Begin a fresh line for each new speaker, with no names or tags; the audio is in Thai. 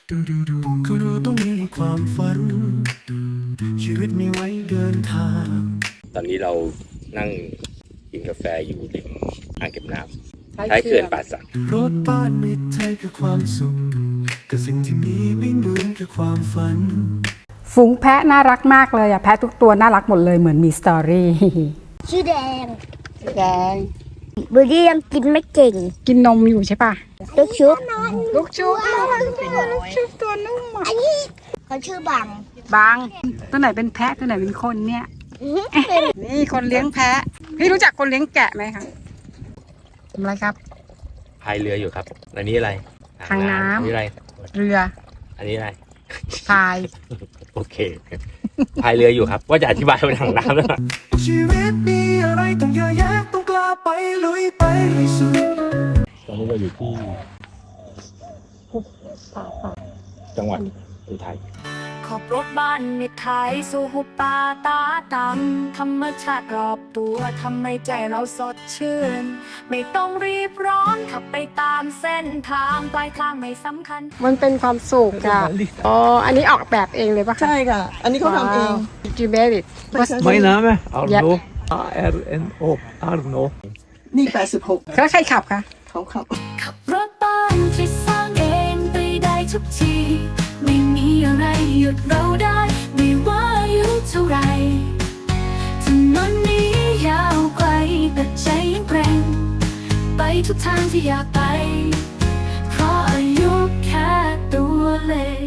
ก็รู้ต้องมีความฝันชีวิตมีไว้เดินทาง
ตอนนี้เรานั่งกินกาแฟอยู่ริมอ่างเก็บน้ำท้ายเขื่อนป่าสัก
รถบ้านมิตรไทยคือความสุขแต่สิ่งที่มีไม่เหมือนคือความฝัน
ฝูงแพะน่ารักมากเลยอะแพะทุกตัวน่ารักหมดเลยเหมือนมีสตอรี่
ชื่อแดง
แดง
บูดี้ยังกินไม่เก่ง
กินนมอยู่ใช่ปะ
ลูกชุบ
ลูกชุบชุบตัวนุ่มอะ
เขาชื่อบัง
บางตัวไหนเป็นแพะตัวไหนเป็นคนเนี่ย นี่คนเลี้ยงแพะพี่รู้จักคนเลี้ยงแกะไหมคะทำอะไรครับ
พายเรืออยู่ครับ อันนี้อะไร
ทางน้ำ
อันนี้อะไร
เรือ
อันนี้อะไร
พาย
โอเค พายเรืออยู่ครับ ว่าจะอธิบายเป็นทางน้ำแล้วนะ
ชีวิตมีอะไรต้องเยอะแยะต้องกล้าไปลุยไปให้สุด
ตอนนี้เราอยู่ที่จังหวัดอุทัย
ขับรถบ้านมิตรไทยสู่หุบป่าตาดำธรรมชาติรอบตัวทำให้ใจเราสดชื่น ไม่ต้องรีบร้อนขับไปตามเส้นทางปลายทางไม่สำคัญ
มันเป็นความสุขอะอ๋ออันนี้ออกแบบเองเลยปะคะ
ใช่ค่ะ อันนี้เขาทำเอง
จิเบริต
Mijn naam is Arno.
Ja.
A-R-N-O. Arno.
นี่ 86
แล้วใครขับคะ
เขาขับ
ขับรถบ้านที่สร้างเองไปได้ทุกที ไม่มีอะไรหยุดเราได้ไม่ว่าอายุเท่าไรถนนนี้ยาวไกลแต่ใจยังแกร่งไปทุกทางที่อยากไปเพราะอายุแค่ตัวเลข